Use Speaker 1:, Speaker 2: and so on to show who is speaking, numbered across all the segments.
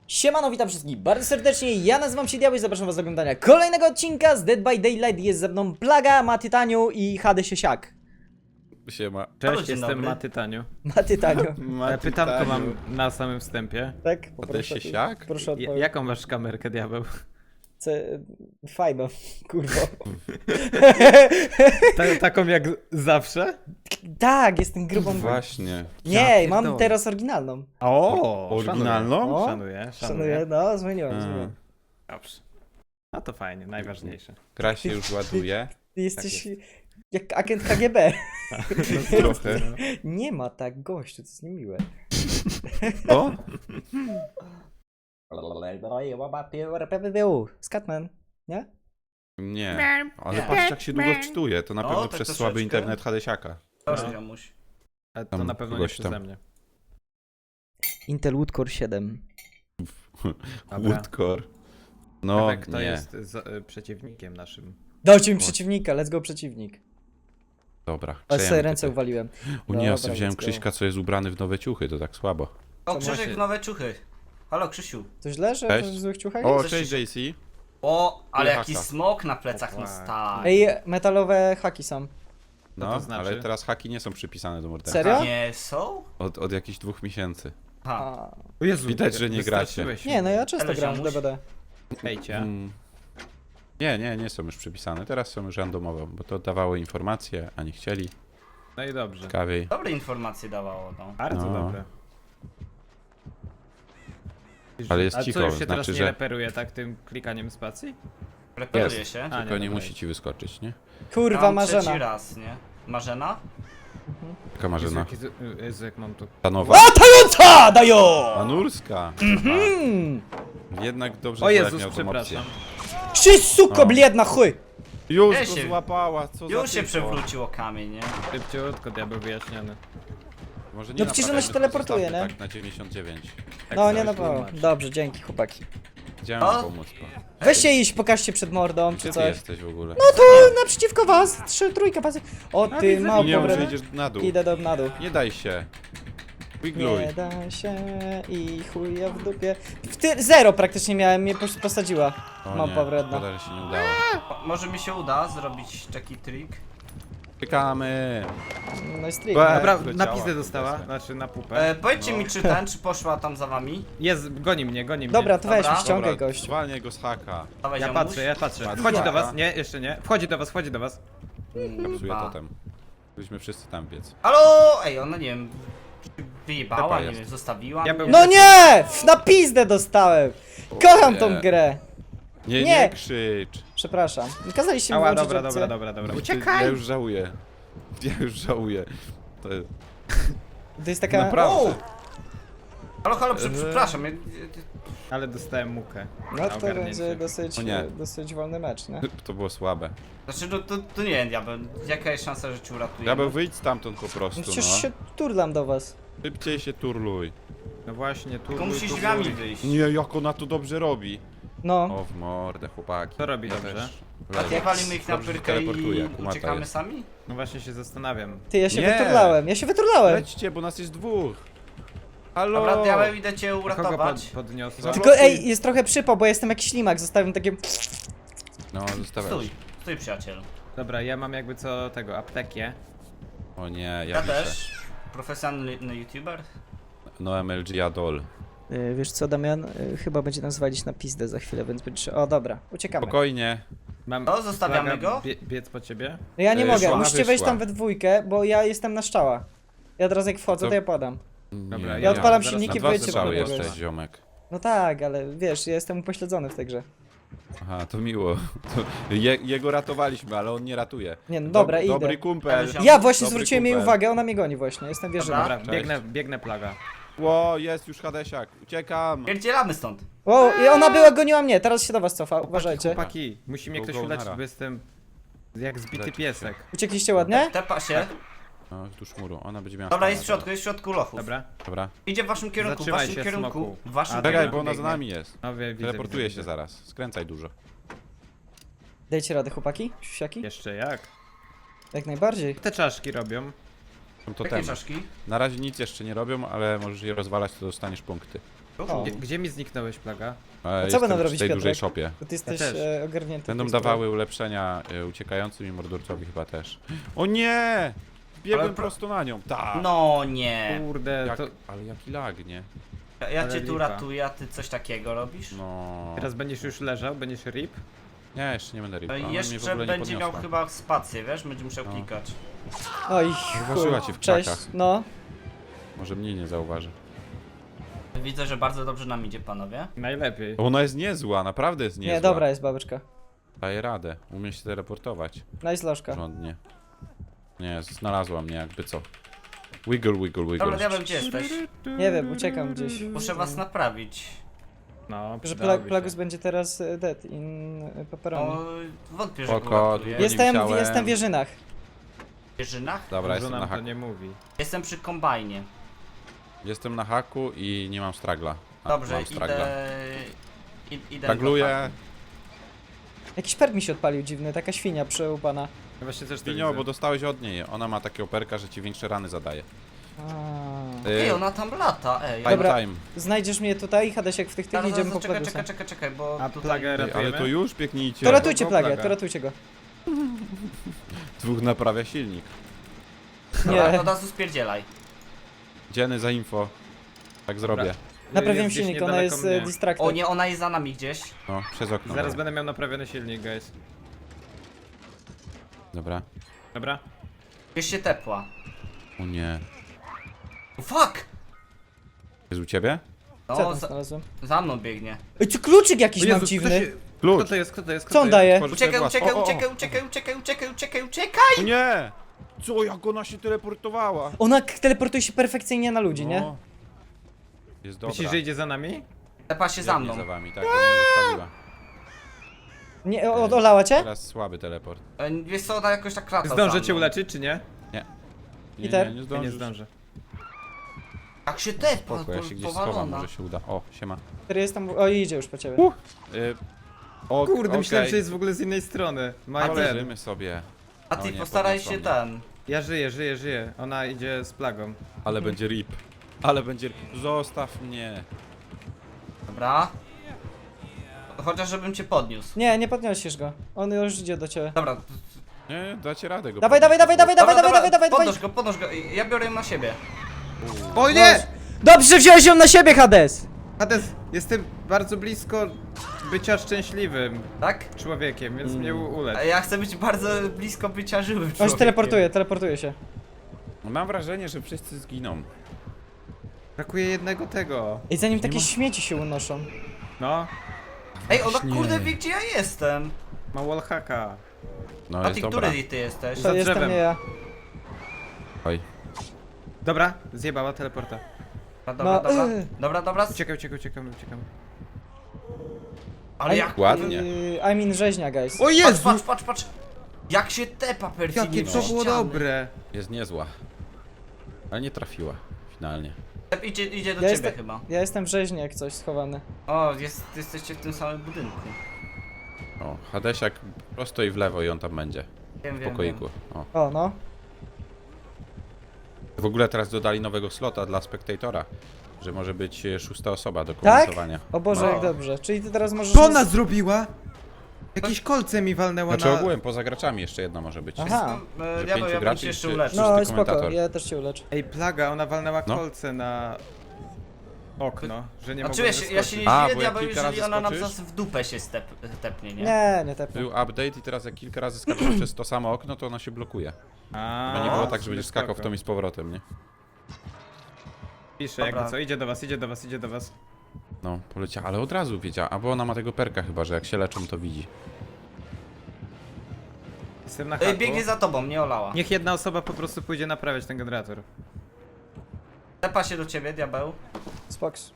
Speaker 1: Siemano, witam wszystkich bardzo serdecznie, ja nazywam się Diabeł i zapraszam was do oglądania kolejnego odcinka z Dead by Daylight. Jest ze mną Plaga, Matytaniu i HD Siesiak.
Speaker 2: Siema.
Speaker 3: Cześć,
Speaker 4: dzień
Speaker 3: jestem
Speaker 4: dobry.
Speaker 3: Matytaniu.
Speaker 1: Matytaniu,
Speaker 3: Pytanko mam na samym wstępie.
Speaker 1: tak?
Speaker 2: HD Siesiak?
Speaker 1: Proszę odpowiedzieć.
Speaker 3: Jaką masz kamerkę, diabeł?
Speaker 1: Fajno, kurwa.
Speaker 3: Taką jak zawsze?
Speaker 1: Tak, jestem grubą.
Speaker 2: Właśnie.
Speaker 1: Nie,
Speaker 3: Ja
Speaker 1: mam
Speaker 3: pierdolę.
Speaker 1: teraz oryginalną.
Speaker 3: O,
Speaker 2: Oryginalną?
Speaker 1: O,
Speaker 3: Szanuję.
Speaker 1: Szanuję, no, zmieniłem.
Speaker 3: Dobrze. No to fajnie, najważniejsze.
Speaker 2: Gra się już ładuje.
Speaker 1: Ty jesteś jak agent KGB.
Speaker 2: Trochę.
Speaker 1: Nie ma tak, gościu, to jest niemiłe.
Speaker 2: O?
Speaker 1: Scatman, nie?
Speaker 2: Nie. Ale
Speaker 4: Nie.
Speaker 2: patrz jak się długo wczytuje. To na
Speaker 4: No,
Speaker 2: pewno
Speaker 4: tak
Speaker 2: przez
Speaker 4: troszeczkę.
Speaker 2: słaby internet Hadesiaka.
Speaker 4: Proszę, Jamuś.
Speaker 3: Ale to
Speaker 2: Tam
Speaker 3: na pewno nie
Speaker 2: kogoś tam.
Speaker 3: przeze mnie.
Speaker 1: Intel Wood Core 7.
Speaker 3: Dobra.
Speaker 2: Woodcore. No,
Speaker 3: Kto
Speaker 2: nie.
Speaker 3: jest przeciwnikiem naszym?
Speaker 1: Dajcie mi przeciwnika, let's go przeciwnik.
Speaker 2: Dobra.
Speaker 1: Ale sobie
Speaker 2: przejemy
Speaker 1: ręce
Speaker 2: tutaj.
Speaker 1: uwaliłem.
Speaker 2: O nie, ja
Speaker 1: Dobra,
Speaker 2: sobie wziąłem
Speaker 1: let's go.
Speaker 2: Krzyśka, co jest ubrany w nowe ciuchy, to tak słabo.
Speaker 4: O,
Speaker 3: To
Speaker 4: Krzysiek,
Speaker 3: właśnie.
Speaker 4: nowe ciuchy. Halo, Krzysiu.
Speaker 1: To źle, że
Speaker 2: Cześć.
Speaker 1: w złych ciuchach?
Speaker 2: O,
Speaker 4: Coś
Speaker 2: cześć
Speaker 4: się-
Speaker 2: JC.
Speaker 4: O, ale
Speaker 2: Haka.
Speaker 4: jaki smok na plecach, no
Speaker 3: Opa.
Speaker 4: stary.
Speaker 1: Ej, metalowe haki są.
Speaker 2: No,
Speaker 3: to znaczy?
Speaker 2: ale teraz haki nie są przypisane do morderstwa.
Speaker 1: Serio?
Speaker 4: Nie są?
Speaker 2: Od jakichś 2 miesięcy.
Speaker 4: Ha.
Speaker 1: A,
Speaker 3: O Jezu,
Speaker 2: Widać, że nie gracie.
Speaker 3: wystraszyłeś
Speaker 1: nie, no
Speaker 3: mnie.
Speaker 1: ja często
Speaker 4: Ale
Speaker 1: gram w
Speaker 4: ziomuś.
Speaker 1: DBD.
Speaker 3: Hejcia.
Speaker 2: Nie są już przypisane. Teraz są już randomowe, bo to dawały informacje, a nie chcieli.
Speaker 3: No i dobrze.
Speaker 2: Ciekawiej.
Speaker 4: Dobre informacje dawało, no.
Speaker 3: Bardzo
Speaker 2: No.
Speaker 3: dobre.
Speaker 2: Ale jest
Speaker 3: A co,
Speaker 2: cicho,
Speaker 3: już się teraz
Speaker 2: znaczy,
Speaker 3: nie
Speaker 2: że
Speaker 3: reperuje tak tym klikaniem spacji?
Speaker 4: Reperuje
Speaker 2: Jest.
Speaker 4: się.
Speaker 3: A,
Speaker 2: tylko nie
Speaker 3: dobra,
Speaker 2: musi ci wyskoczyć, nie?
Speaker 1: Kurwa,
Speaker 4: Mam trzeci
Speaker 1: Marzena.
Speaker 4: raz, nie? Marzena?
Speaker 2: Taka Marzena.
Speaker 3: Jezu, jak mam tu...
Speaker 2: Stanowa.
Speaker 1: Latająca, dajo!
Speaker 2: Anurska.
Speaker 1: Hmm.
Speaker 2: Jednak dobrze,
Speaker 3: O
Speaker 2: że jak
Speaker 3: Jezus,
Speaker 2: miał tą opcję.
Speaker 3: przepraszam.
Speaker 1: Ty suko,
Speaker 2: O.
Speaker 1: bliedna chuj!
Speaker 2: Już
Speaker 4: Ja
Speaker 2: go
Speaker 4: się-
Speaker 2: złapała, co za
Speaker 4: Już się
Speaker 2: typo.
Speaker 4: przewróciło kamień, nie?
Speaker 3: Szybciutko, diabeł wyjaśniony.
Speaker 2: Może nie
Speaker 1: No przecież ona
Speaker 2: napadajmy,
Speaker 1: się
Speaker 2: tylko
Speaker 1: teleportuje,
Speaker 2: zostawmy
Speaker 1: nie?
Speaker 2: Tak na 99.
Speaker 3: Tak
Speaker 1: No
Speaker 3: sobie
Speaker 1: nie no,
Speaker 3: tłumacz.
Speaker 1: dobrze, dzięki chłopaki.
Speaker 2: Chciałem
Speaker 4: O!
Speaker 2: wam pomóc.
Speaker 1: Weźcie iść, pokażcie przed mordą, czy
Speaker 2: Gdzie ty
Speaker 1: coś.
Speaker 2: jesteś w ogóle?
Speaker 1: No tu, naprzeciwko was, trójka pasy. O ty
Speaker 3: widzę.
Speaker 1: małpo,
Speaker 2: Nie mów, że
Speaker 1: wredna.
Speaker 2: idziesz na dół.
Speaker 1: Idę na dół.
Speaker 2: Nie daj się. Wigluj.
Speaker 1: Nie da się i chuja w dupie. Zero praktycznie miałem, mnie posadziła.
Speaker 2: O
Speaker 1: Małpa
Speaker 2: nie,
Speaker 1: wredna.
Speaker 2: szkoda, że się nie udało.
Speaker 4: O, może mi się uda zrobić taki trik.
Speaker 2: Czekamy.
Speaker 1: No i strik.
Speaker 2: Be-
Speaker 3: Dobra,
Speaker 2: Leciała,
Speaker 3: na pizdę dostała,
Speaker 2: kurde.
Speaker 3: znaczy na pupę.
Speaker 4: Powiedzcie mi, czy ten, czy poszła tam za wami?
Speaker 3: Jest, goni mnie.
Speaker 1: Dobra, to weź,
Speaker 4: Dobra.
Speaker 1: ściągaj gość.
Speaker 2: zwalniaj go z haka.
Speaker 4: Dawaj,
Speaker 3: Ja
Speaker 4: Jamuś.
Speaker 3: patrzę, ja patrzę.
Speaker 2: Patrz,
Speaker 3: Wchodzi do
Speaker 2: uwaga.
Speaker 3: was, nie, jeszcze nie. Wchodzi do was.
Speaker 2: Kapsuje
Speaker 4: Ba.
Speaker 2: totem. Byliśmy wszyscy tam biec.
Speaker 4: Halo! Ej, ona nie wiem. Wyjebała,
Speaker 2: Dobra,
Speaker 4: nie
Speaker 2: jest.
Speaker 4: wiem, zostawiła.
Speaker 3: Ja
Speaker 4: mnie.
Speaker 3: bym-
Speaker 1: No nie! Na pizdę dostałem! Kocham tą
Speaker 2: nie.
Speaker 1: grę!
Speaker 2: Nie,
Speaker 1: Nie.
Speaker 2: nie krzycz.
Speaker 1: Przepraszam. Kazaliście mi
Speaker 3: Ała,
Speaker 1: włączyć
Speaker 3: dobra,
Speaker 1: opcję.
Speaker 3: dobra.
Speaker 2: Ja
Speaker 3: Uciekaj!
Speaker 2: już żałuję. Ja już żałuję. To jest...
Speaker 1: To jest taka...
Speaker 2: Naprawdę.
Speaker 4: Halo, przepraszam.
Speaker 3: Ale dostałem mukę.
Speaker 1: No
Speaker 3: na
Speaker 1: to
Speaker 3: ogarnięcie.
Speaker 1: będzie dosyć,
Speaker 2: O nie.
Speaker 1: dosyć wolny mecz, nie?
Speaker 2: To było słabe.
Speaker 4: Znaczy, no to nie wiem, diabeł. Jaka jest szansa, że cię uratuje?
Speaker 2: Diabeł, wyjdź stamtąd po
Speaker 1: No
Speaker 2: prostu,
Speaker 1: przecież
Speaker 2: no.
Speaker 1: się turlam do was.
Speaker 2: Szybciej się turluj.
Speaker 3: No właśnie, tu.
Speaker 4: Tylko musisz
Speaker 3: tu-
Speaker 4: drzwiami
Speaker 3: tu-
Speaker 4: wyjść.
Speaker 2: Nie, jak ona to dobrze robi.
Speaker 1: No.
Speaker 2: O, w mordę, chłopaki.
Speaker 3: To robi
Speaker 2: Ja
Speaker 3: dobrze.
Speaker 2: też.
Speaker 4: A nie walimy ich na
Speaker 2: Dobrze, że
Speaker 4: pyrkę
Speaker 2: teleportuje,
Speaker 4: i
Speaker 2: jak Kumata
Speaker 4: uciekamy
Speaker 2: jest.
Speaker 4: sami?
Speaker 3: No właśnie się zastanawiam.
Speaker 1: Ty, ja się
Speaker 2: Nie.
Speaker 1: wyturlałem,
Speaker 2: Lećcie, bo nas jest dwóch. Halo.
Speaker 4: Dobra, diabeł, idę cię
Speaker 3: Kogo
Speaker 4: uratować.
Speaker 3: podniosło?
Speaker 2: Za-
Speaker 1: Tylko ej, jest trochę przypał, bo jestem jak ślimak, zostawiam takie...
Speaker 2: No, zostawiasz.
Speaker 4: Stój przyjacielu.
Speaker 3: Dobra, ja mam jakby co tego, aptekę.
Speaker 2: O nie,
Speaker 4: Ja
Speaker 2: wiszę.
Speaker 4: też. Profesjonalny youtuber.
Speaker 2: No MLG Adol.
Speaker 1: Wiesz co, Damian? Chyba będzie nas walić na pizdę za chwilę, więc będzie... O, dobra, uciekamy.
Speaker 2: Spokojnie.
Speaker 3: Mam
Speaker 4: No, zostawiamy
Speaker 3: Plaga,
Speaker 4: go?
Speaker 3: Biec po ciebie?
Speaker 1: Ja nie mogę,
Speaker 2: Wyszła,
Speaker 1: musicie wejść
Speaker 2: wyszła.
Speaker 1: tam we dwójkę, bo ja jestem na szczała. Ja teraz jak wchodzę,
Speaker 2: To-
Speaker 1: to ja podam.
Speaker 3: Dobra,
Speaker 2: Nie,
Speaker 1: Ja odpalam
Speaker 3: zaraz
Speaker 1: silniki,
Speaker 3: na
Speaker 2: dwa
Speaker 1: wyjdźcie
Speaker 2: strzały
Speaker 1: po niego.
Speaker 2: jesteś, ziomek.
Speaker 1: No tak, ale wiesz, ja jestem upośledzony w tej grze.
Speaker 2: Aha, to miło. To jego ratowaliśmy, ale on nie ratuje.
Speaker 1: Nie, no dobra, idę.
Speaker 2: Dobry kumpel.
Speaker 1: Ja właśnie
Speaker 2: Dobry
Speaker 1: zwróciłem jej
Speaker 2: kumpel.
Speaker 1: uwagę, ona mnie goni właśnie, jestem wierzyna.
Speaker 4: Dobra.
Speaker 3: Dobra,
Speaker 2: Cześć.
Speaker 3: biegnę plaga.
Speaker 2: Ło, jest już Hadesiak. Uciekam.
Speaker 4: Pierdzielamy stąd.
Speaker 1: O, i ona była, goniła mnie, teraz się do was cofa, uważajcie.
Speaker 3: Chłopaki, musi mnie
Speaker 2: Go,
Speaker 3: ktoś
Speaker 2: go,
Speaker 3: uleczyć,
Speaker 2: nara.
Speaker 3: bo jestem jak zbity
Speaker 2: Lecz
Speaker 3: piesek.
Speaker 1: Uciekliście ładnie?
Speaker 4: Tepa się.
Speaker 2: O, tu szmuru, ona będzie miała...
Speaker 4: Dobra,
Speaker 2: stana
Speaker 4: jest w środku lochów.
Speaker 3: Dobra?
Speaker 2: Dobra.
Speaker 4: Idzie w waszym kierunku, w
Speaker 3: Zatrzymaj
Speaker 4: waszym
Speaker 3: się,
Speaker 4: kierunku.
Speaker 3: smoku.
Speaker 4: W waszym
Speaker 3: A,
Speaker 2: Czekaj,
Speaker 4: kierunku.
Speaker 2: bo ona za
Speaker 3: biegnie.
Speaker 2: nami jest.
Speaker 3: No widzę,
Speaker 2: Teleportuje
Speaker 3: widzę.
Speaker 2: się zaraz. Skręcaj dużo.
Speaker 1: Dajcie radę, chłopaki? Siusiaki?
Speaker 3: Jeszcze jak?
Speaker 1: Jak najbardziej.
Speaker 3: Te czaszki robią.
Speaker 2: Są
Speaker 4: Jakie
Speaker 2: totemy.
Speaker 4: czaszki?
Speaker 2: Na razie nic jeszcze nie robią, ale możesz je rozwalać, to dostaniesz punkty.
Speaker 1: O.
Speaker 3: Gdzie mi zniknąłeś, Plaga?
Speaker 2: Jestem
Speaker 1: będą
Speaker 2: w
Speaker 1: robić,
Speaker 2: tej dużej
Speaker 1: Piotrek?
Speaker 2: szopie.
Speaker 1: Bo ty jesteś
Speaker 3: też.
Speaker 1: ogarnięty.
Speaker 2: Będą
Speaker 1: w tej sprawie.
Speaker 2: dawały ulepszenia uciekającym i mordorcowi chyba też. O nie! Biegłem
Speaker 4: Ale
Speaker 2: prosto na nią. Tak.
Speaker 4: No nie.
Speaker 3: Kurde,
Speaker 2: Jak,
Speaker 3: to
Speaker 2: ale jaki lag, nie?
Speaker 4: Ja
Speaker 3: Ale
Speaker 4: cię tu
Speaker 3: lipa.
Speaker 4: ratuję, a ty coś takiego robisz?
Speaker 2: No.
Speaker 3: teraz będziesz już leżał, będziesz rip?
Speaker 2: Nie, jeszcze nie będę ripa. Ona mnie w
Speaker 4: Jeszcze
Speaker 2: ogóle nie
Speaker 4: będzie miał
Speaker 2: podniosła.
Speaker 4: chyba spację, wiesz? Będzie musiał
Speaker 2: No.
Speaker 4: klikać.
Speaker 1: Oj,
Speaker 2: Zauważyła
Speaker 1: chuj.
Speaker 2: cię w
Speaker 1: Cześć,
Speaker 2: krakach.
Speaker 1: no.
Speaker 2: Może mnie nie zauważy.
Speaker 4: Widzę, że bardzo dobrze nam idzie, panowie.
Speaker 3: Najlepiej.
Speaker 2: Ona jest niezła, naprawdę jest niezła.
Speaker 1: Nie, dobra jest babeczka.
Speaker 2: Daje radę. Umie się teleportować.
Speaker 1: Nice lożka.
Speaker 2: Porządnie. Nie, znalazła mnie jakby co. Wiggle, wiggle, wiggle.
Speaker 4: Dobra, diabeł, gdzie jesteś?
Speaker 1: Nie wiem, uciekam gdzieś.
Speaker 4: Muszę was naprawić.
Speaker 3: No,
Speaker 1: Że
Speaker 3: przydałoby się.
Speaker 1: Plagus będzie teraz dead in pepperoni.
Speaker 4: O, wątpię, że
Speaker 2: Spoko,
Speaker 4: go ratuję.
Speaker 2: nie wisiałem.
Speaker 1: Jestem w Wierzynach.
Speaker 4: W Wierzynach?
Speaker 2: Dobra,
Speaker 3: Dużo
Speaker 2: jestem
Speaker 3: nam
Speaker 2: na
Speaker 3: to
Speaker 2: haku.
Speaker 3: nie mówi.
Speaker 4: Jestem przy kombajnie.
Speaker 2: Jestem na haku i nie mam stragla. A,
Speaker 4: Dobrze,
Speaker 2: mam stragla.
Speaker 4: idę.
Speaker 2: Stragluję.
Speaker 4: do haku.
Speaker 1: Jakiś perk mi się odpalił dziwny, taka świnia przełupana.
Speaker 3: Ja właśnie też to
Speaker 2: Pinio,
Speaker 3: widzę.
Speaker 2: bo dostałeś od niej. Ona ma takie operka, że ci większe rany zadaje.
Speaker 1: A.
Speaker 4: Ej, ona tam lata, ej.
Speaker 2: Time,
Speaker 1: Dobra.
Speaker 2: time.
Speaker 1: Znajdziesz mnie tutaj, Hadesiek w tych
Speaker 4: Zaraz,
Speaker 1: idziemy po
Speaker 4: czekaj,
Speaker 1: Plagusa.
Speaker 4: czekaj, bo
Speaker 3: A
Speaker 4: tutaj...
Speaker 3: Plagę
Speaker 2: Ej, ale
Speaker 3: ratujemy?
Speaker 2: to już biegnijcie.
Speaker 1: To ratujcie
Speaker 3: Go,
Speaker 1: plagę,
Speaker 3: Plaga.
Speaker 1: to ratujcie go.
Speaker 2: Dwóch naprawia silnik.
Speaker 4: Dobra,
Speaker 1: Nie.
Speaker 4: to od razu spierdzielaj.
Speaker 2: Dzieny za info. Tak zrobię.
Speaker 1: Naprawiam
Speaker 3: Jest gdzieś
Speaker 1: silnik, ona
Speaker 3: niedaleko
Speaker 1: jest
Speaker 3: mnie.
Speaker 1: distracted.
Speaker 4: O nie, ona jest za nami gdzieś.
Speaker 2: No, przez okno.
Speaker 3: Zaraz będę miał naprawiony silnik, guys.
Speaker 2: Dobra.
Speaker 3: Dobra?
Speaker 4: Gdzieś się tepła.
Speaker 2: O nie.
Speaker 4: Fuck!
Speaker 2: Jest u ciebie?
Speaker 1: Co
Speaker 4: No,
Speaker 1: tam znalazłem?
Speaker 4: za mną biegnie.
Speaker 1: Ej, co kluczyk jakiś
Speaker 3: O
Speaker 1: mam
Speaker 3: Jezu,
Speaker 1: dziwny.
Speaker 3: Kto
Speaker 2: Klucz!
Speaker 3: to jest? Kto to jest?
Speaker 1: Co on daje?
Speaker 2: Tworzysz sobie
Speaker 4: Uciekaj,
Speaker 2: własną-
Speaker 4: uciekaj,
Speaker 2: o, o, o.
Speaker 4: uciekaj!
Speaker 2: O nie! Co, jak ona się teleportowała?
Speaker 1: Ona teleportuje się perfekcyjnie na ludzi, nie?
Speaker 2: No. Jest dobra.
Speaker 3: Myślisz, że idzie za nami?
Speaker 4: Tepa się za
Speaker 2: Biegnie
Speaker 4: mną.
Speaker 2: za wami, tak, ona mnie zostawiła.
Speaker 1: Nie, olała cię?
Speaker 2: Teraz słaby teleport.
Speaker 4: Wiesz co, ona jakoś tak lata
Speaker 3: Zdążę
Speaker 4: za
Speaker 3: cię
Speaker 4: mną.
Speaker 3: uleczyć, czy nie?
Speaker 2: Nie,
Speaker 1: Peter?
Speaker 2: nie
Speaker 3: Ja
Speaker 2: zdążysz.
Speaker 3: nie zdążę.
Speaker 4: Jak się tepa,
Speaker 2: Spoko, ja się gdzieś schowam,
Speaker 4: powalona.
Speaker 2: może się uda. O, siema.
Speaker 1: Który jest tam... O, idzie już po ciebie.
Speaker 2: O,
Speaker 3: Kurde, myślałem,
Speaker 2: okej.
Speaker 3: że jest w ogóle z innej strony. My
Speaker 2: Ale
Speaker 3: bad.
Speaker 2: leżymy sobie.
Speaker 4: A
Speaker 2: O
Speaker 4: ty
Speaker 2: nie,
Speaker 4: postaraj
Speaker 2: podniosła
Speaker 4: się
Speaker 2: mnie.
Speaker 4: ten.
Speaker 3: Ja żyję. Ona idzie z plagą.
Speaker 2: Ale będzie rip. Ale będzie rip. Zostaw mnie.
Speaker 4: Dobra. Chociaż żebym cię podniósł.
Speaker 1: Nie, nie podniosisz go. On już idzie do ciebie.
Speaker 4: Dobra.
Speaker 2: Nie, dacie radę go
Speaker 1: Dawaj,
Speaker 2: podnieść.
Speaker 1: dawaj, dawaj, dawaj,
Speaker 4: Dobra,
Speaker 1: dawaj, dawaj, dawaj, dawaj.
Speaker 4: podnoś go. Ja biorę ją na siebie.
Speaker 3: O nie!
Speaker 1: Dobrze, wziąłeś ją na siebie, Hades!
Speaker 3: Hades, jestem bardzo blisko bycia szczęśliwym
Speaker 4: Tak?
Speaker 3: człowiekiem, więc mnie ulecz.
Speaker 4: A ja chcę być bardzo blisko bycia żywym
Speaker 1: On się
Speaker 4: człowiekiem.
Speaker 1: teleportuje się.
Speaker 2: Mam wrażenie, że wszyscy zginą.
Speaker 3: Brakuje jednego tego.
Speaker 1: I zanim
Speaker 2: Nie
Speaker 1: takie
Speaker 2: ma-
Speaker 1: śmieci się unoszą.
Speaker 3: No,
Speaker 4: Ej, ona
Speaker 2: Właśnie.
Speaker 4: kurde wie gdzie ja jestem.
Speaker 3: ma wallhacka.
Speaker 2: No
Speaker 4: A
Speaker 2: jest
Speaker 4: ty,
Speaker 2: dobra.
Speaker 4: który ty jesteś?
Speaker 3: Za
Speaker 1: To jestem
Speaker 3: drzewem.
Speaker 1: nie ja.
Speaker 2: Oj.
Speaker 3: Dobra, zjebała teleporta.
Speaker 4: Dobra,
Speaker 1: No,
Speaker 4: dobra.
Speaker 3: Uciekam.
Speaker 4: Ale jak...
Speaker 2: Ładnie.
Speaker 1: I'm in rzeźnia, guys.
Speaker 3: O Jezu!
Speaker 4: Patrz. Jak się tepa perfidnie
Speaker 3: Jakie to
Speaker 4: przez
Speaker 3: było
Speaker 4: ściany.
Speaker 3: dobre!
Speaker 2: Jest niezła. Ale nie trafiła. Finalnie.
Speaker 4: Idzie do
Speaker 1: Ja
Speaker 4: ciebie
Speaker 1: jestem-
Speaker 4: chyba.
Speaker 1: Ja jestem w rzeźni jak coś schowany.
Speaker 4: O, jesteście w tym samym budynku.
Speaker 2: O, Hadesiak prosto i w lewo i on tam będzie.
Speaker 4: Wiem,
Speaker 2: W pokoiku. O.
Speaker 1: O, no.
Speaker 2: W ogóle teraz dodali nowego slota dla spektatora. Że może być szósta osoba do
Speaker 1: Tak?
Speaker 2: komentowania.
Speaker 1: O Boże,
Speaker 2: No.
Speaker 1: jak dobrze. Czyli ty teraz możesz...
Speaker 3: Co ona zrobiła? Jakieś kolce mi walnęła
Speaker 2: Znaczy
Speaker 3: na...
Speaker 2: ogółem, poza graczami jeszcze jedna może być.
Speaker 1: Aha.
Speaker 2: Że
Speaker 4: Ja
Speaker 2: pięciu
Speaker 4: bym
Speaker 2: graczy
Speaker 4: cię jeszcze
Speaker 2: czy-
Speaker 4: uleczył.
Speaker 1: No,
Speaker 2: Szósty
Speaker 1: spoko,
Speaker 2: komentator.
Speaker 1: ja też cię uleczę.
Speaker 3: Ej, plaga, ona walnęła
Speaker 2: No.
Speaker 3: kolce na... okno, że nie mogła
Speaker 4: Znaczy ja się nie
Speaker 2: A,
Speaker 4: dziwię,
Speaker 2: bo jak
Speaker 4: diabeł,
Speaker 2: kilka razy
Speaker 4: jeżeli ona nam
Speaker 2: skoczysz?
Speaker 4: zaraz w dupę się tepnie, nie?
Speaker 1: Nie tepnę.
Speaker 2: Był update i teraz jak kilka razy skaczesz przez to samo okno, to ono się blokuje. Bo nie było tak, że będziesz skakał w to i z powrotem, nie?
Speaker 3: Pisze,
Speaker 4: Dobra.
Speaker 3: jakby co, idzie do was.
Speaker 2: No, poleciała, ale od razu wiedziała. A bo ona ma tego perka chyba, że jak się leczą, to widzi.
Speaker 3: Jestem na haku.
Speaker 4: Biegnie za tobą, nie olała.
Speaker 3: Niech jedna osoba po prostu pójdzie naprawiać ten generator.
Speaker 4: Tepa się do ciebie, diabeł.
Speaker 1: Spoks.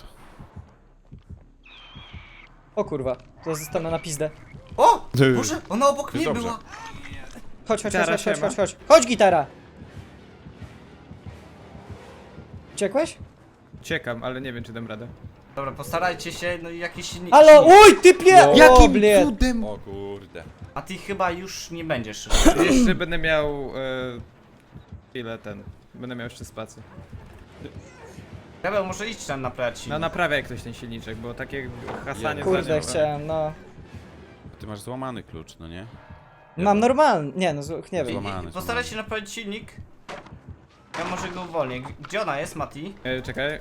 Speaker 1: O kurwa, to zostanę na pizdę.
Speaker 4: O! Boże, ona obok mnie
Speaker 2: Dobrze.
Speaker 4: była.
Speaker 1: Chodź.
Speaker 3: Gitara siema.
Speaker 1: Chodź, gitara! Uciekłeś?
Speaker 3: Uciekam, ale nie wiem, czy dam radę.
Speaker 4: Dobra, postarajcie się, no i jakiś silnik.
Speaker 1: Halo, uj, typie! O,
Speaker 3: Jakim
Speaker 1: bled.
Speaker 3: cudem?
Speaker 2: O kurde.
Speaker 4: A ty chyba już nie będziesz.
Speaker 3: Jeszcze będę miał... ile ten... Będę miał jeszcze spację.
Speaker 4: Diabeł, może iść tam naprawiać silnik.
Speaker 3: No naprawiaj ktoś ten silniczek, bo takie hasanie
Speaker 1: Kurde,
Speaker 3: zadziała.
Speaker 1: chciałem, no.
Speaker 2: Ty masz złamany klucz, no nie?
Speaker 1: Mam normalny, nie no, nie wiem.
Speaker 2: Złamany.
Speaker 4: Postaraj się naprawić silnik. Ja może go uwolnię. Gdzie ona jest, Mati?
Speaker 3: Czekaj.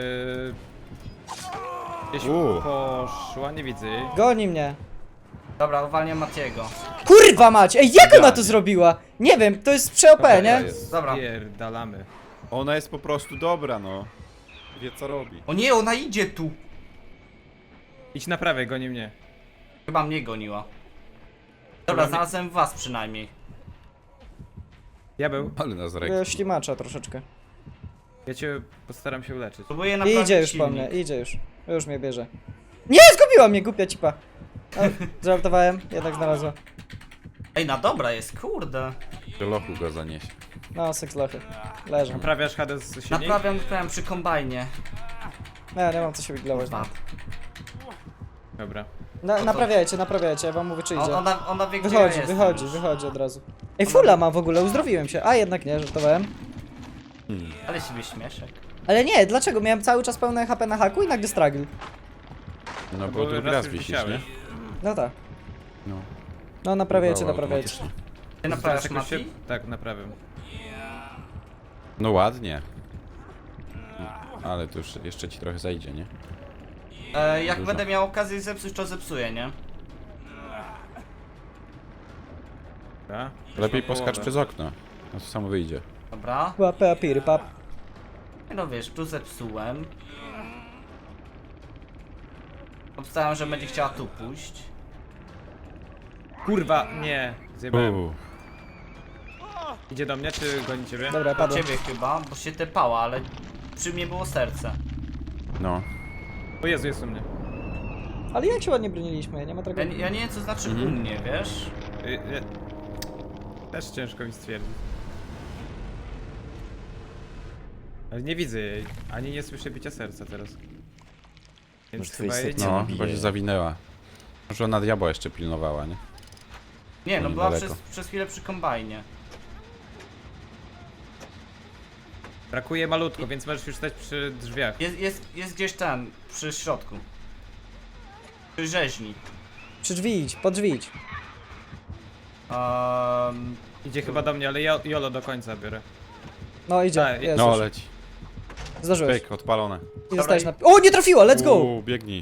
Speaker 3: Gdzieś
Speaker 2: U.
Speaker 3: poszła, nie widzę jej.
Speaker 1: Goni mnie.
Speaker 4: Dobra, uwalniam Matiego.
Speaker 1: Kurwa mać, ej, jak ona to
Speaker 2: Idealnie.
Speaker 1: zrobiła? Nie wiem, to jest przy OP,
Speaker 2: Dobra,
Speaker 1: nie?
Speaker 2: jest.
Speaker 4: Dobra.
Speaker 3: Pierdalamy.
Speaker 2: Ona jest po prostu dobra, no. Wie co robi.
Speaker 4: O nie, ona idzie tu!
Speaker 3: Idź naprawiaj, goni mnie.
Speaker 4: Chyba mnie goniła. Dobra,
Speaker 3: Chyba mnie-
Speaker 4: znalazłem was przynajmniej.
Speaker 3: Diabeł,
Speaker 2: Ale nas rekł.
Speaker 1: Ślimacza troszeczkę.
Speaker 3: ja cię postaram się uleczyć.
Speaker 4: Próbuję naprawić
Speaker 1: Idzie już
Speaker 4: silnik.
Speaker 1: po mnie, idzie już. Już mnie bierze. Nie, zgubiła mnie, głupia cipa. O, żartowałem, jednak znalazła.
Speaker 4: Ej, na dobra jest, kurde.
Speaker 2: Do lochu go zaniesie.
Speaker 1: No, sekslochy. Leżą.
Speaker 3: Naprawiasz Hades silnik?
Speaker 4: Naprawiam przy kombajnie.
Speaker 1: Nie mam co się wiglować. No.
Speaker 3: Dobra.
Speaker 1: Naprawiajcie, ja wam mówię czy idzie.
Speaker 4: Ona wie, gdzie ja
Speaker 1: Wychodzi od razu. Ej, fulla mam w ogóle, uzdrowiłem się. A jednak nie, żartowałem.
Speaker 4: Ale siebie śmieszek.
Speaker 1: Ale nie, dlaczego? Miałem cały czas pełne HP na haku i nagle struggle.
Speaker 2: No
Speaker 3: bo
Speaker 2: bo drugi
Speaker 3: raz
Speaker 2: raz
Speaker 3: już
Speaker 2: wisisz,
Speaker 3: wisiałeś.
Speaker 2: nie?
Speaker 1: No tak.
Speaker 2: No.
Speaker 1: No naprawiajcie.
Speaker 2: Bywało automatycznie.
Speaker 4: Ty naprawiasz
Speaker 3: Teraz jakoś
Speaker 4: Mati?
Speaker 3: Tak, naprawiam.
Speaker 2: No ładnie. Ale to już jeszcze ci trochę zajdzie, nie?
Speaker 4: Jak
Speaker 2: Dużo.
Speaker 4: będę miał okazję zepsuć, to zepsuję, nie?
Speaker 3: Dobra.
Speaker 2: Lepiej
Speaker 3: Mam
Speaker 2: poskacz
Speaker 3: połowę.
Speaker 2: przez okno. No to samo wyjdzie.
Speaker 4: Dobra.
Speaker 1: Łapę, apiry, pap.
Speaker 4: No wiesz, tu zepsułem. Obstałem, że będzie chciała tu pójść.
Speaker 3: Kurwa, nie. Zjebałem.
Speaker 2: Uuu.
Speaker 3: Idzie do mnie, czy goni ciebie?
Speaker 1: Dobra,
Speaker 4: Do
Speaker 1: padło.
Speaker 4: ciebie chyba, bo się tepała, ale przy mnie było serce.
Speaker 2: No.
Speaker 3: O Jezu, jest u mnie.
Speaker 1: Ale jak się ładnie broniliśmy, nie ma
Speaker 4: Ja,
Speaker 1: tragedii.
Speaker 4: ja nie wiem, co znaczy u mnie, wiesz?
Speaker 3: Też ciężko mi stwierdzić. Ale nie widzę jej, ani nie słyszę bicia serca teraz. Więc
Speaker 1: Może twój
Speaker 3: chyba jej
Speaker 1: serce
Speaker 3: nie
Speaker 2: No,
Speaker 3: ma.
Speaker 2: chyba się zawinęła. Może ona diabła jeszcze pilnowała, nie?
Speaker 4: Nie, no
Speaker 2: Oni
Speaker 4: była
Speaker 2: daleko.
Speaker 4: przez chwilę przy kombajnie.
Speaker 3: Brakuje malutko, więc możesz już stać przy drzwiach.
Speaker 4: Jest gdzieś ten, przy środku. Przy rzeźni.
Speaker 1: Przy drzwi idź, pod drzwi idź.
Speaker 3: Idzie chyba do mnie, ale ja Jolo do końca biorę.
Speaker 1: No idzie,
Speaker 3: Tak,
Speaker 1: jest
Speaker 2: No
Speaker 1: już.
Speaker 2: leci.
Speaker 1: Zdążyłeś.
Speaker 2: Pyk, odpalone.
Speaker 1: I zostałeś na... O, nie trafiła, let's go!
Speaker 2: Uuu, biegnij.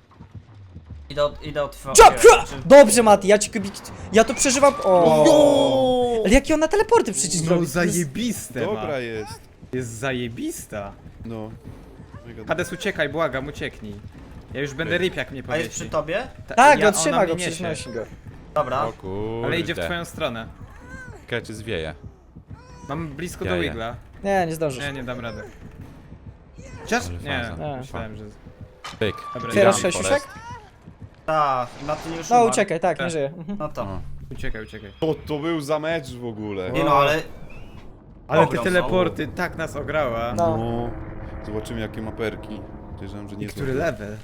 Speaker 4: Idę od
Speaker 1: Jump! Dobrze, Mati, ja ci ja to przeżywam. O. Ale jakie ona teleporty przecież
Speaker 3: No
Speaker 1: robi?
Speaker 3: zajebiste ma.
Speaker 2: jest.
Speaker 3: Jest zajebista.
Speaker 2: No.
Speaker 3: Hades, uciekaj, błagam, ucieknij. Ja już będę ryb, jak mnie
Speaker 4: A jest przy
Speaker 3: powiesi.
Speaker 4: tobie?
Speaker 1: Tak,
Speaker 3: ona
Speaker 1: trzyma
Speaker 3: mnie
Speaker 1: go,
Speaker 3: niesie.
Speaker 1: przecież nosi go.
Speaker 4: Dobra.
Speaker 2: O kurde.
Speaker 3: Ale idzie w twoją stronę.
Speaker 2: Keczy zwieje.
Speaker 3: Mam blisko do
Speaker 2: Jaja.
Speaker 3: Wigla.
Speaker 1: Nie zdążysz.
Speaker 3: Nie dam rady.
Speaker 2: Chociaż?
Speaker 3: Nie,
Speaker 1: A.
Speaker 3: myślałem, że...
Speaker 2: Pyk.
Speaker 3: Dobra,
Speaker 1: Otwierasz
Speaker 3: idę.
Speaker 1: 6 uszek?
Speaker 4: Tak, na ty już
Speaker 1: No
Speaker 4: umarł.
Speaker 1: uciekaj, tak, nie
Speaker 3: Tak.
Speaker 1: żyje. Mhm.
Speaker 4: No to.
Speaker 2: O.
Speaker 3: Uciekaj, uciekaj.
Speaker 2: Co to był za mecz w ogóle?
Speaker 4: Nie no, ale...
Speaker 3: Ale te
Speaker 4: Ograł
Speaker 3: teleporty tak nas ograła.
Speaker 1: No.
Speaker 2: No. Zobaczymy jakie ma perki. Podejrzewam, że nie
Speaker 3: Który level?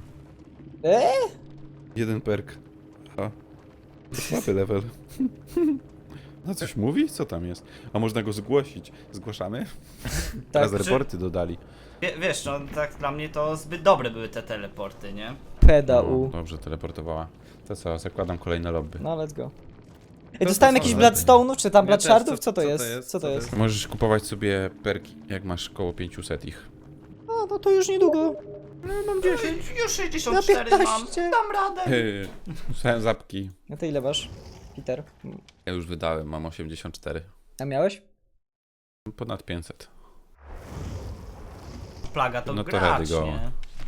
Speaker 2: Jeden perk. A. Słaby level. No coś mówi? Co tam jest? A można go zgłosić. Zgłaszamy? Teraz
Speaker 4: Czy-
Speaker 2: reporty dodali.
Speaker 4: Wiesz, no tak dla mnie to zbyt dobre były te teleporty, nie?
Speaker 1: Pedał.
Speaker 2: Dobrze, teleportowała. To co, zakładam kolejne lobby.
Speaker 1: No, let's go. Ej, dostałem jakiś
Speaker 2: są
Speaker 1: Bloodstone'ów, czy tam
Speaker 3: Ja też,
Speaker 1: Bloodshardów?
Speaker 3: co
Speaker 1: Co to
Speaker 3: to
Speaker 1: jest?
Speaker 3: jest?
Speaker 1: Co to jest?
Speaker 2: Możesz kupować sobie perki, jak masz koło 500 ich.
Speaker 1: A, no to już niedługo.
Speaker 4: Mam 10. Już 64
Speaker 1: Na
Speaker 4: mam.
Speaker 1: 15.
Speaker 4: Dam radę.
Speaker 2: Słyszałem zapki.
Speaker 1: No to ile masz, Peter?
Speaker 2: Ja już wydałem, mam 84.
Speaker 1: A miałeś?
Speaker 2: Ponad 500.
Speaker 4: Plaga to
Speaker 2: No to
Speaker 4: gracz,
Speaker 2: rady go.
Speaker 4: nie?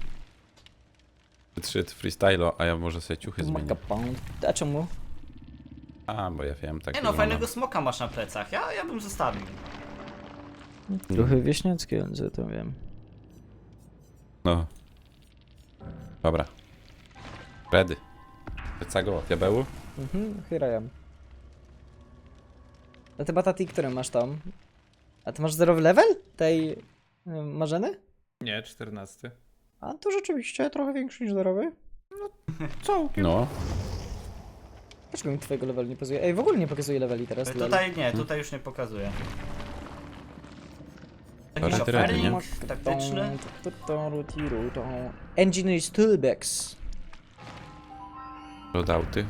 Speaker 2: 3 freestylo, a ja może sobie ciuchy zmienię.
Speaker 1: Makapon. A czemu?
Speaker 2: A, bo ja wiem, tak
Speaker 4: Nie no,
Speaker 2: wygląda.
Speaker 4: fajnego smoka masz na plecach. Ja bym zostawił.
Speaker 1: Trochę wieśniackie, że to wiem.
Speaker 2: No. Dobra. Ready. Pyca go, diabełu?
Speaker 1: Here I am. A ty Batati, który masz tam? A ty masz zerowy level? Tej Marzeny?
Speaker 3: Nie, 14.
Speaker 1: A to rzeczywiście trochę większy niż zerowy.
Speaker 2: No.
Speaker 1: Dlaczego mi twojego levelu nie pokazuje? Ej, w ogóle nie pokazuje leveli teraz. lol.
Speaker 4: Tutaj nie, tutaj już nie pokazuję. Tak Jakiś
Speaker 2: Parę dredy, nie?
Speaker 4: offering taktyczny?
Speaker 1: Engineer's Toolbox.
Speaker 2: Loadouty.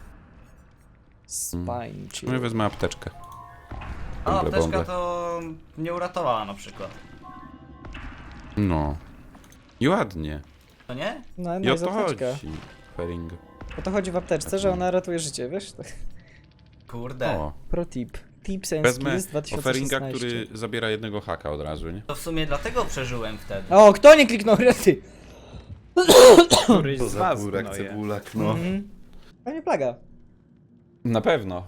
Speaker 1: Spine
Speaker 2: No i wezmę apteczkę.
Speaker 4: A
Speaker 2: Bąble,
Speaker 4: apteczka
Speaker 2: bąble.
Speaker 4: to mnie uratowała na przykład.
Speaker 2: No. I ładnie.
Speaker 4: To nie?
Speaker 1: No,
Speaker 2: I
Speaker 1: no
Speaker 2: o
Speaker 1: jest
Speaker 2: to chodzi.
Speaker 1: apteczka.
Speaker 2: Fering.
Speaker 1: O to chodzi w apteczce, że ona ratuje życie, wiesz?
Speaker 4: Kurde.
Speaker 2: O,
Speaker 1: Pro tip. Tips and
Speaker 2: wezmę
Speaker 1: skills 2016.
Speaker 2: offeringa, który zabiera jednego haka od razu, nie?
Speaker 4: To w sumie dlatego przeżyłem wtedy.
Speaker 1: O, kto nie kliknął rety?
Speaker 3: Któryś z was gnoje.
Speaker 2: cebulak, no.
Speaker 1: Pewnie plaga.
Speaker 2: Na pewno.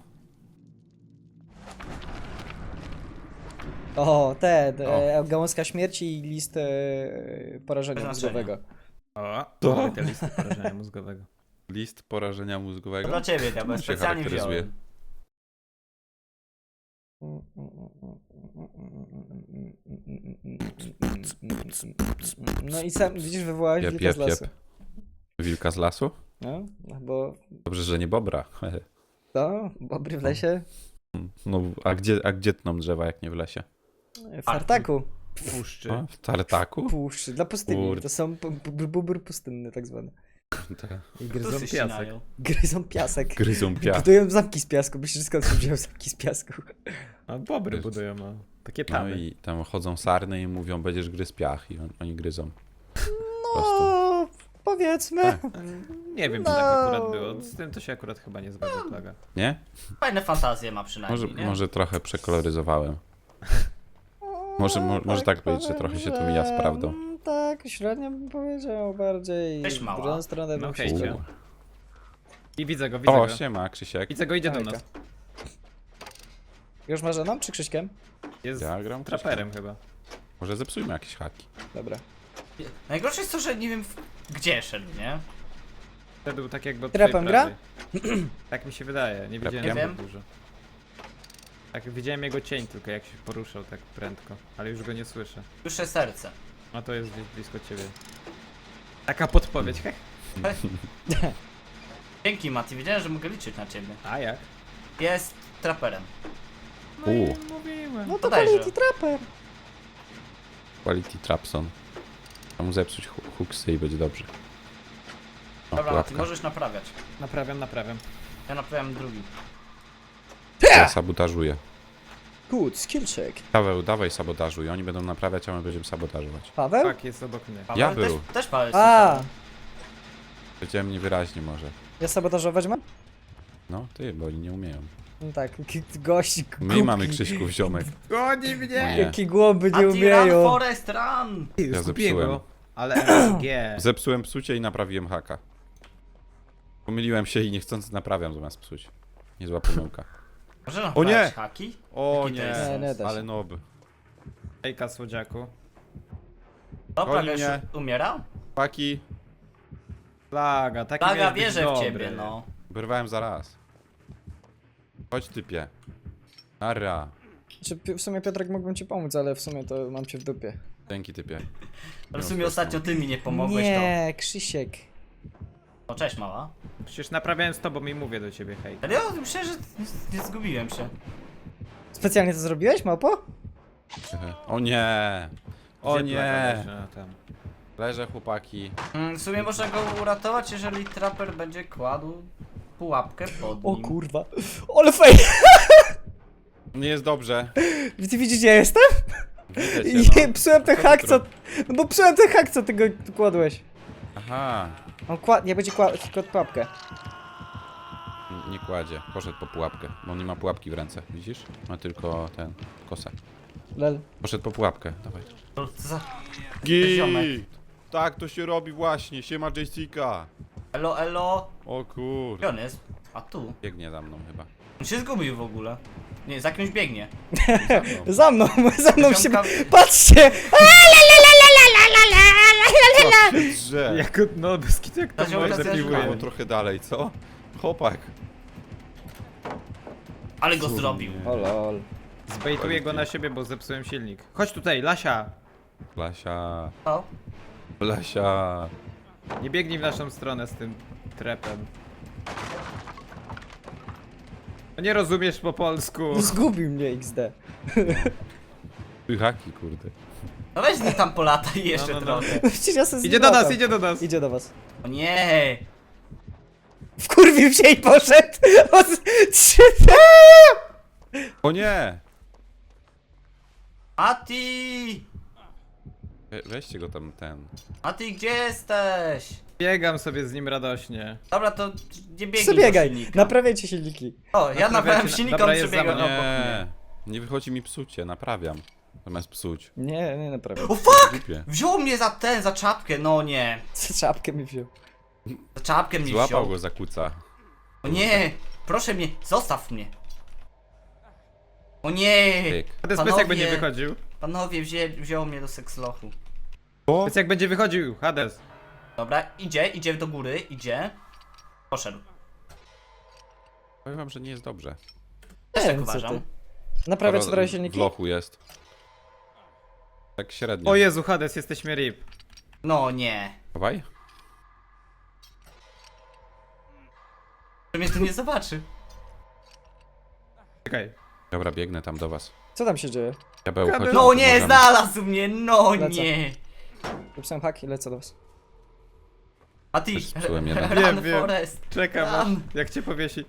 Speaker 1: O,
Speaker 2: O.
Speaker 1: gałązka śmierci i list porażenia
Speaker 4: Bez znaczenia.
Speaker 1: mózgowego.
Speaker 3: O,
Speaker 2: To?
Speaker 3: mamy te listy porażenia mózgowego.
Speaker 2: List porażenia
Speaker 4: To
Speaker 2: mózgowego.
Speaker 4: dla ciebie, ja
Speaker 2: się
Speaker 4: specjalnie
Speaker 2: charakteryzuje.
Speaker 4: wziąłem.
Speaker 1: No i sam, widzisz, wywołałeś
Speaker 2: Jep,
Speaker 1: wilka
Speaker 2: jep,
Speaker 1: z lasu.
Speaker 2: jep. Wilka z lasu?
Speaker 1: No, bo
Speaker 2: Dobrze, że nie bobra.
Speaker 1: to, bobry w lesie,
Speaker 2: No, a gdzie tną drzewa, jak nie w lesie?
Speaker 1: w tartaku,
Speaker 3: Puszczy.
Speaker 2: O, w tartaku?
Speaker 1: puszczy, dla pustyni.
Speaker 2: Kurde.
Speaker 1: To są bubr pustynny tak zwane.
Speaker 3: I
Speaker 4: Tu
Speaker 3: gryzą
Speaker 4: się
Speaker 3: piasek.
Speaker 4: ścinają.
Speaker 1: Gryzą piasek.
Speaker 2: Gryzą piach.
Speaker 1: Budują zamki z piasku, myślisz, skąd się wziął zamki z piasku?
Speaker 3: A bobry budują, no. Takie
Speaker 2: No
Speaker 3: tamy.
Speaker 2: i tam chodzą sarny i mówią, będziesz gryz piach i oni gryzą. prostu.
Speaker 1: No, powiedzmy.
Speaker 2: Tak.
Speaker 3: Nie wiem, czy tak akurat było. Z tym to się akurat chyba nie zgadza plaga.
Speaker 2: Nie?
Speaker 4: Fajne fantazje ma przynajmniej, nie?
Speaker 2: Może trochę przekoloryzowałem. Może tak być, że trochę się to mija z prawdą.
Speaker 1: Tak, średnio bym powiedział bardziej.
Speaker 4: Cześć, mała.
Speaker 1: W drugą stronę
Speaker 3: No
Speaker 1: bym
Speaker 3: hej,
Speaker 1: się
Speaker 3: cio. I widzę go, widzę
Speaker 2: O,
Speaker 3: go.
Speaker 2: siema, Krzysiek.
Speaker 3: Widzę go, idzie do
Speaker 1: Hejka.
Speaker 3: nas.
Speaker 1: Już marzeną czy Krzyśkiem?
Speaker 3: Jest
Speaker 2: Ja gram
Speaker 3: traperem chyba.
Speaker 2: Może zepsujmy jakieś haki.
Speaker 1: Dobra.
Speaker 4: Najgorsze jest to, że nie wiem gdzie szedł, nie?
Speaker 3: Wtedy był tak jakby od
Speaker 1: Trapem
Speaker 3: twojej prawej. Tak mi się wydaje, nie widziałem
Speaker 4: Nie
Speaker 3: zbyt
Speaker 4: wiem.
Speaker 3: dużo. Tak, widziałem jego cień tylko jak się poruszał tak prędko, ale już go nie słyszę.
Speaker 4: Dusze serce.
Speaker 3: A to jest gdzieś blisko ciebie. Taka podpowiedź, heh.
Speaker 4: Dzięki Mati, wiedziałem, że mogę liczyć na ciebie.
Speaker 3: A jak?
Speaker 4: Jest traperem.
Speaker 3: No i
Speaker 2: U.
Speaker 3: mówiłem.
Speaker 1: No to
Speaker 4: Podejrzę.
Speaker 1: quality trapper.
Speaker 2: Quality Trapson. A mu zepsuć hooksy i będzie dobrze. O,
Speaker 4: Dobra, Mati,
Speaker 2: pułapka.
Speaker 4: możesz naprawiać.
Speaker 3: Naprawiam.
Speaker 4: Ja naprawiam drugi.
Speaker 2: Ja sabotażuję.
Speaker 1: Good, skill check.
Speaker 2: Paweł, dawaj sabotażuj. Oni będą naprawiać, a my będziemy sabotażować.
Speaker 1: Paweł?
Speaker 3: Tak, jest obok mnie.
Speaker 4: Paweł
Speaker 2: Ja był.
Speaker 4: Też Paweł jest
Speaker 1: A,
Speaker 4: super.
Speaker 2: Powiedziałem niewyraźnie może.
Speaker 1: ja sabotażować mam?
Speaker 2: No, ty, bo oni nie umieją.
Speaker 1: No tak, gość,
Speaker 2: My
Speaker 1: głupki.
Speaker 2: mamy Krzyśków ziomek.
Speaker 3: Goni mnie!
Speaker 2: Nie.
Speaker 1: Jakie głąby nie
Speaker 4: Mati, run,
Speaker 1: umieją.
Speaker 4: Forest, run!
Speaker 2: Ja
Speaker 3: Zgubiłem
Speaker 2: zepsułem.
Speaker 3: go. Ale MSG.
Speaker 2: Zepsułem psucie i naprawiłem haka. Pomyliłem się i niechcący naprawiam zamiast psuć. Niezła pomyłka.
Speaker 4: Może
Speaker 2: O nie!
Speaker 4: naprawiać haki?
Speaker 2: O
Speaker 4: Jaki to jest
Speaker 2: nie,
Speaker 4: sens?
Speaker 1: Nie da się.
Speaker 2: ale nob.
Speaker 3: Ejka słodziaku.
Speaker 4: O,
Speaker 2: Goni
Speaker 4: prawie już
Speaker 2: mnie.
Speaker 4: umierał?
Speaker 2: Paki,
Speaker 3: Plaga, taki
Speaker 4: Plaga,
Speaker 3: miałeś być
Speaker 4: wierzę w
Speaker 3: dobry.
Speaker 4: ciebie, no.
Speaker 2: wyrwałem zaraz. Chodź typie. Ara.
Speaker 1: Czy w sumie Piotrek mógłbym ci pomóc, ale w sumie to mam cię w dupie.
Speaker 2: Dzięki typie.
Speaker 4: Ale w sumie ostatnio ty mi nie pomogłeś,
Speaker 1: Nie, Krzysiek.
Speaker 4: to... O, cześć mała.
Speaker 3: Przecież naprawiałem z tobą i mówię do ciebie, hej.
Speaker 4: Ale ja myślę, że nie zgubiłem się.
Speaker 1: Specjalnie to zrobiłeś, małpo?
Speaker 2: O nie. O
Speaker 3: Gdzie plaga
Speaker 2: nie.
Speaker 3: leży? A, tam.
Speaker 2: Leżę chłopaki.
Speaker 4: W sumie można go uratować, jeżeli traper będzie kładł pułapkę pod
Speaker 1: O
Speaker 4: nim.
Speaker 1: kurwa. Ale fej!
Speaker 2: Nie jest dobrze.
Speaker 1: Ty widzisz, gdzie ja jestem?
Speaker 2: Widzę
Speaker 1: I
Speaker 2: cię, no.
Speaker 1: psułem ten
Speaker 2: Co ty
Speaker 1: hak, co...
Speaker 2: robisz?
Speaker 1: No bo psułem ten hak, co ty go kładłeś.
Speaker 2: Aha.
Speaker 1: On nie będzie kładł pułapkę.
Speaker 2: Nie kładzie. Poszedł po pułapkę. Bo on nie ma pułapki w ręce. Widzisz? Ma tylko ten kosę.
Speaker 1: Lel.
Speaker 2: Poszedł po pułapkę. Dawaj.
Speaker 4: To za...
Speaker 2: Git! Tak to się robi właśnie. Siema Jessica.
Speaker 4: Elo, elo.
Speaker 2: O kur...
Speaker 4: Gdzie on jest? A tu.
Speaker 2: Biegnie za mną chyba.
Speaker 4: On się zgubił w ogóle. Nie, za kimś biegnie.
Speaker 1: Za mną się...
Speaker 4: Ziomka-
Speaker 1: Patrzcie!
Speaker 2: Co się drze?
Speaker 3: Jak no, bez kitu, jak to
Speaker 4: Ta ziomka
Speaker 3: może
Speaker 4: też
Speaker 3: piłuje.
Speaker 4: była.
Speaker 2: Było trochę dalej, co? Chłopak.
Speaker 4: Ale go zrobił.
Speaker 1: O lol.
Speaker 3: Zbejtuję go na siebie, bo zepsułem silnik. Chodź tutaj, Lasia!
Speaker 2: Blasia.
Speaker 4: O,
Speaker 2: Blasia.
Speaker 3: Nie biegnij w naszą stronę z tym trepem. No nie rozumiesz po polsku.
Speaker 1: Zgubił mnie XD.
Speaker 2: Haki, kurde.
Speaker 4: No weź z nim tam polataj jeszcze
Speaker 3: No.
Speaker 4: trochę.
Speaker 1: Przecież ja sobie
Speaker 3: Idzie do
Speaker 1: zlatam.
Speaker 3: nas, idzie do nas.
Speaker 1: Idzie do was.
Speaker 4: O nie!
Speaker 1: Wkurwił się i poszedł!
Speaker 2: O nie!
Speaker 4: Mati!
Speaker 2: Weźcie go tam,
Speaker 4: Mati, gdzie jesteś?
Speaker 3: Biegam sobie z nim radośnie.
Speaker 4: Dobra, to nie biegnij do
Speaker 1: Przebiegaj,
Speaker 4: silnika.
Speaker 1: naprawiajcie silniki.
Speaker 4: O, ja naprawiam
Speaker 3: Naprawiacie-
Speaker 4: silnika,
Speaker 3: dobra,
Speaker 4: on
Speaker 3: jest
Speaker 4: przebiega
Speaker 3: za mną.
Speaker 4: obok mnie.
Speaker 2: Nie wychodzi mi psucie, naprawiam. Zamiast psuć.
Speaker 1: Nie naprawiaj.
Speaker 4: O fuck!
Speaker 2: Głupie.
Speaker 4: Wziął mnie za czapkę, no nie.
Speaker 1: Co czapkę mi wziął.
Speaker 4: Za czapkę mnie
Speaker 2: Złapał
Speaker 4: wziął.
Speaker 2: go za kuca.
Speaker 4: O nie! Proszę mnie, zostaw mnie. O nie!
Speaker 2: Tyk.
Speaker 3: Hades, powiedz jak będzie wychodził.
Speaker 4: Panowie, wziął mnie do sekslochu.
Speaker 2: O!
Speaker 3: Powiedz jak będzie wychodził, Hades.
Speaker 4: Dobra, idzie do góry, idzie. Poszedł.
Speaker 2: Powiem wam, że nie jest dobrze.
Speaker 4: Też
Speaker 1: Nie
Speaker 4: tak
Speaker 1: wiem, co
Speaker 4: uważam.
Speaker 1: ty. Naprawiać trochę
Speaker 2: W
Speaker 1: silniki?
Speaker 2: lochu jest. Tak średnio.
Speaker 3: O Jezu, Hades, jesteśmy RIP.
Speaker 4: No nie.
Speaker 2: Dawaj.
Speaker 4: Że mnie tu nie zobaczy.
Speaker 3: Czekaj.
Speaker 2: Dobra, biegnę tam do was.
Speaker 1: Co tam się dzieje?
Speaker 2: Diabeł,
Speaker 3: Kabel.
Speaker 2: chodź.
Speaker 4: No nie,
Speaker 2: możemy.
Speaker 4: znalazł mnie, no
Speaker 1: Lecę.
Speaker 4: nie.
Speaker 1: Napisałem hak i lecę do was.
Speaker 4: A ty,
Speaker 2: Też zepsułem jeden.
Speaker 4: Run
Speaker 3: Wiem.
Speaker 4: Forest.
Speaker 3: Czekam,
Speaker 4: Tam.
Speaker 3: aż- jak cię powiesi.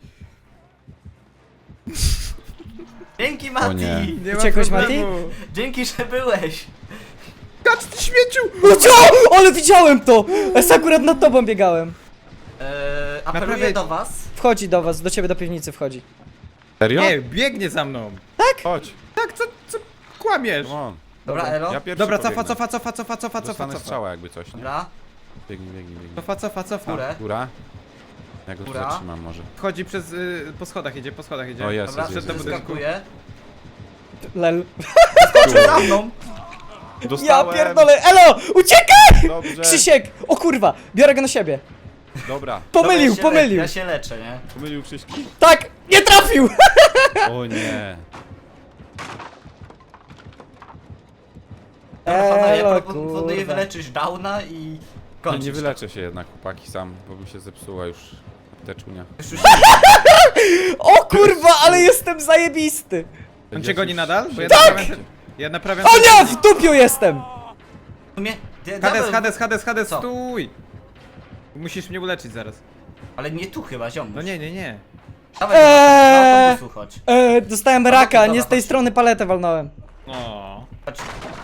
Speaker 4: Dzięki Mati.
Speaker 2: nie.
Speaker 3: Nie ma
Speaker 1: Uciekłeś,
Speaker 3: problemu.
Speaker 4: Dzięki, że byłeś.
Speaker 3: Kacz, ty śmieciu!
Speaker 1: No co? Ale widziałem to! Ja akurat nad tobą biegałem.
Speaker 4: Apeluję
Speaker 3: Naprawiaj-
Speaker 4: do was.
Speaker 1: Wchodzi do was, do ciebie do piwnicy wchodzi.
Speaker 2: Serio?
Speaker 3: Nie, biegnie za mną.
Speaker 2: Chodź.
Speaker 3: Tak, co kłamiesz?
Speaker 2: Come on.
Speaker 4: Dobra, Elo.
Speaker 2: Ja pierwszy
Speaker 3: Dobra,
Speaker 2: pobiegnę.
Speaker 3: cofa.
Speaker 2: Dostanę strzała jakby coś, nie?
Speaker 4: Dobra,
Speaker 2: Biegnij.
Speaker 3: Cofa.
Speaker 4: górę.
Speaker 2: Góra. Ja go tu
Speaker 4: Góra.
Speaker 2: zatrzymam może.
Speaker 3: Wchodzi przez, po schodach idzie.
Speaker 2: O, jest,
Speaker 4: Dobra,
Speaker 2: jest,
Speaker 3: Przed do
Speaker 2: jest.
Speaker 3: budynku.
Speaker 4: wyskakuję.
Speaker 1: Lel.
Speaker 4: Skoczył za mną.
Speaker 1: Ja
Speaker 2: Dostałem.
Speaker 1: pierdolę! Elo! Uciekaj!
Speaker 2: Dobrze.
Speaker 1: Krzysiek! O kurwa! Biorę go na siebie.
Speaker 2: Dobra.
Speaker 1: Pomylił,
Speaker 4: Dobra,
Speaker 1: pomylił.
Speaker 4: Ja się leczę, nie?
Speaker 2: Pomylił Krzyśki?
Speaker 1: Tak! Nie trafił!
Speaker 2: O nie.
Speaker 4: Dobra, panowie, ja
Speaker 1: Elo,
Speaker 4: proponuję
Speaker 1: kurwa.
Speaker 4: wyleczyć Downa i
Speaker 2: No
Speaker 4: kończyć.
Speaker 2: nie wyleczę się jednak, chłopaki, sam, bo mi się zepsuła już apteczunia.
Speaker 4: Już
Speaker 1: O kurwa, ale jestem zajebisty!
Speaker 3: On cię goni nadal? Bo ja
Speaker 1: Tak!
Speaker 3: naprawiam... Ja naprawiam...
Speaker 1: O nie! W dupiu jestem!
Speaker 4: w sumie...
Speaker 3: Hades,
Speaker 4: Co?
Speaker 3: stój! Musisz mnie uleczyć zaraz.
Speaker 4: Ale nie tu chyba, ziom.
Speaker 3: No nie.
Speaker 4: Dawaj, do autobusu chodź.
Speaker 1: Dostałem raka,
Speaker 4: dobra,
Speaker 1: nie z tej
Speaker 4: chodź.
Speaker 1: strony paletę walnąłem.
Speaker 3: O.
Speaker 4: Chodź.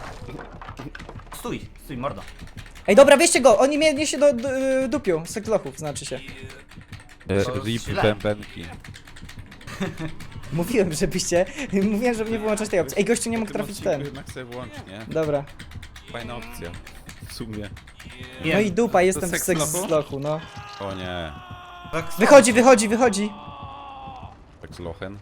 Speaker 4: Stój, mordo.
Speaker 1: Ej, dobra, wieście go! Oni mnie niesie do dupiu, z seklochów, znaczy się.
Speaker 4: To
Speaker 2: Rip
Speaker 4: źle.
Speaker 2: bębenki.
Speaker 1: Mówiłem, żebyście... Mówiłem, żeby nie wyłączać tej opcji. Ej, gościu nie mógł
Speaker 2: W tym
Speaker 1: trafić w
Speaker 2: odcinku
Speaker 1: ten.
Speaker 2: jednak sobie włącz, nie?
Speaker 1: Dobra.
Speaker 2: Fajna opcja. W sumie.
Speaker 4: Nie.
Speaker 1: No i dupa, jestem w
Speaker 3: sekslochu?
Speaker 1: sekslochu, no.
Speaker 2: O nie.
Speaker 4: Tak,
Speaker 1: Wychodzi!
Speaker 2: Tak z lochen.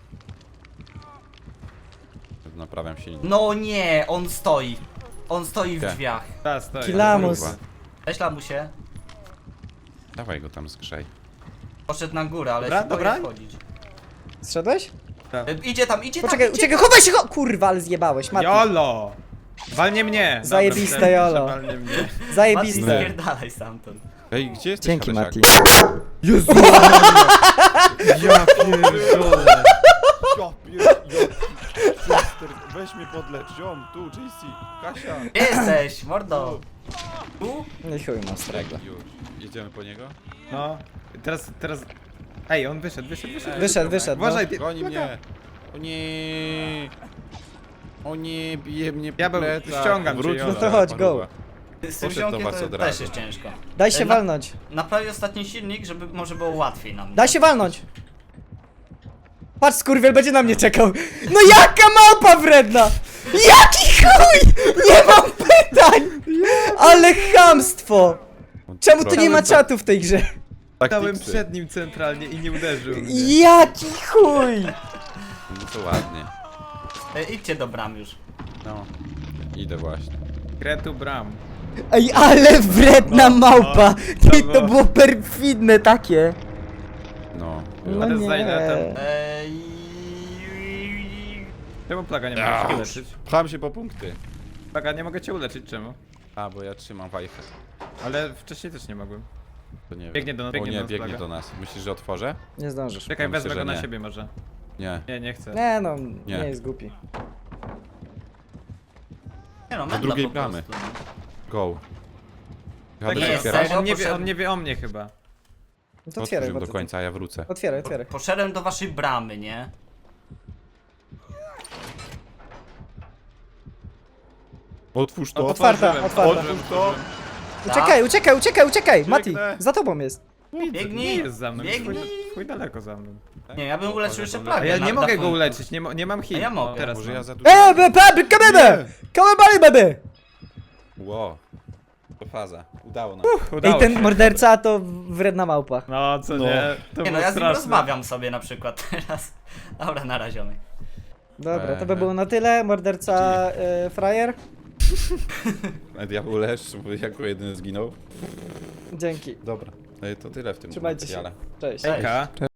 Speaker 2: Naprawiam silnik.
Speaker 4: No nie, on stoi. On stoi w
Speaker 2: Gdzie?
Speaker 4: drzwiach.
Speaker 3: Ta, stoi.
Speaker 1: Kilamus.
Speaker 2: Kurwa.
Speaker 4: Weź lamusie.
Speaker 2: Dawaj go tam zgrzej.
Speaker 4: Poszedł na górę, ale
Speaker 3: Dobra,
Speaker 4: się boi
Speaker 3: dobra.
Speaker 4: wchodzić.
Speaker 1: Zszedłeś?
Speaker 4: Idzie tam, idzie
Speaker 1: Poczekaj,
Speaker 4: tam.
Speaker 1: uciekaj, chowaj się! Kurwa, ale zjebałeś, Mati.
Speaker 3: Jolo! Walnie mnie! Dobra,
Speaker 1: Zajebiste
Speaker 3: myślałem,
Speaker 1: jolo.
Speaker 3: że walnie mnie.
Speaker 4: Mati,
Speaker 1: Zajebiste.
Speaker 4: spierdalaj stamtąd.
Speaker 2: Ej, gdzie jesteś,
Speaker 1: Dzięki,
Speaker 2: Hadesiaku?
Speaker 1: Mati.
Speaker 3: Jezu! Ja pierdolę!
Speaker 2: Ja Chester, weź mnie podlecz, ziom, tu, JC, Kasia.
Speaker 4: Gdzie jesteś, mordo? Tu?
Speaker 1: No i chuj, mastrego.
Speaker 2: Już, jedziemy po niego?
Speaker 3: No, teraz... Ej, on wyszedł.
Speaker 1: Wyszedł,
Speaker 3: Uważaj,
Speaker 1: no.
Speaker 2: Goni mnie. O nie. O nie, bije mnie po
Speaker 3: Diabeł,
Speaker 2: plecach.
Speaker 3: ściągam cię,
Speaker 2: Wróć
Speaker 3: Jola.
Speaker 1: No to chodź, go.
Speaker 2: paruwa.
Speaker 4: Z tym
Speaker 2: Poszedł do
Speaker 4: ziomkiem
Speaker 2: was
Speaker 4: to
Speaker 2: od
Speaker 4: też
Speaker 2: razu.
Speaker 4: jest ciężko.
Speaker 1: Daj się
Speaker 4: Na-
Speaker 1: walnąć.
Speaker 4: Naprawię ostatni silnik, żeby może było łatwiej nam.
Speaker 1: Daj się walnąć. Patrz, skurwiel będzie na mnie czekał. No jaka małpa wredna! Jaki chuj! Nie mam pytań! Ale chamstwo! Czemu tu nie ma czatu w tej grze?
Speaker 3: Stałem
Speaker 2: Taktyksy.
Speaker 3: przed nim centralnie i nie uderzył mnie.
Speaker 1: Jaki chuj!
Speaker 2: No to ładnie.
Speaker 4: Idźcie do bram już.
Speaker 2: No. Idę właśnie.
Speaker 3: Kretu bram.
Speaker 1: Ej, ale wredna małpa!
Speaker 3: no,
Speaker 1: Ty,
Speaker 3: no.
Speaker 1: to było perfidne takie.
Speaker 2: No.
Speaker 1: No
Speaker 3: Ale
Speaker 1: nie.
Speaker 3: zajdę
Speaker 4: Eee,
Speaker 3: Czemu Plaga nie mogę cię uleczyć?
Speaker 2: Pcham się po punkty.
Speaker 3: Plaga, nie mogę cię uleczyć, czemu?
Speaker 2: A, bo ja trzymam wajchę.
Speaker 3: Ale wcześniej też nie mogłem.
Speaker 2: To nie wiem.
Speaker 3: Biegnie do nas,
Speaker 2: O
Speaker 3: biegnie
Speaker 2: nie,
Speaker 3: do nas,
Speaker 2: biegnie
Speaker 3: Plaga.
Speaker 2: do nas. Myślisz, że otworzę?
Speaker 1: Nie zdążysz.
Speaker 3: Czekaj,
Speaker 2: Ja myślę,
Speaker 3: wezmę go
Speaker 2: że
Speaker 3: na
Speaker 2: nie. No.
Speaker 3: siebie może.
Speaker 2: Nie.
Speaker 3: Nie chcę.
Speaker 1: Nie no,
Speaker 2: Nie.
Speaker 1: nie jest głupi.
Speaker 2: No
Speaker 4: Nie no,
Speaker 2: Do
Speaker 4: menda
Speaker 2: drugiej
Speaker 4: po
Speaker 2: bramy.
Speaker 4: prostu.
Speaker 2: Go.
Speaker 3: Tak
Speaker 2: Jadę
Speaker 4: nie,
Speaker 2: się otwierać?
Speaker 4: serio?
Speaker 3: on nie wie o mnie chyba.
Speaker 1: No to otwieraj,
Speaker 2: Otwórz do
Speaker 1: bo
Speaker 2: końca, a ja wrócę.
Speaker 1: Otwieraj, otwieraj.
Speaker 4: Poszedłem do waszej bramy, nie?
Speaker 2: Otwórz to.
Speaker 1: Otwarta, otwarta.
Speaker 2: Otwórz to.
Speaker 1: Uciekaj, uciekaj, uciekaj, uciekaj! Mati,
Speaker 2: Biegnę.
Speaker 1: za tobą jest.
Speaker 4: Biegnij!
Speaker 3: Nie jest za mną, jest
Speaker 4: Biegnij!
Speaker 3: chuj daleko za mną.
Speaker 4: Nie, ja bym uleczył jeszcze
Speaker 3: A
Speaker 4: plagę.
Speaker 3: ja
Speaker 4: na-
Speaker 3: nie
Speaker 4: na
Speaker 3: mogę go
Speaker 4: końcu.
Speaker 3: uleczyć, nie mam hit.
Speaker 4: A ja mogę.
Speaker 3: O, teraz
Speaker 2: Może
Speaker 3: mam.
Speaker 2: ja za dużo...
Speaker 1: Baby, come here! Come on, buddy, baby!
Speaker 2: Ło. To faza. Udało nam.
Speaker 1: Ej,
Speaker 3: Udało
Speaker 1: ten
Speaker 3: się.
Speaker 1: morderca to wredna małpa.
Speaker 3: No, co
Speaker 2: No.
Speaker 3: nie? To
Speaker 4: Nie no,
Speaker 3: było
Speaker 4: ja z nim
Speaker 3: straszne.
Speaker 4: rozmawiam sobie na przykład teraz. Dobra, na raziomy.
Speaker 1: Dobra, to by było na tyle. Morderca frajer.
Speaker 2: A diabeł lesz, bo jako jedyny zginął.
Speaker 1: Dzięki.
Speaker 2: Dobra. To tyle w tym
Speaker 1: Trzymajcie się.
Speaker 2: materiale.
Speaker 1: Cześć.
Speaker 3: Hejka.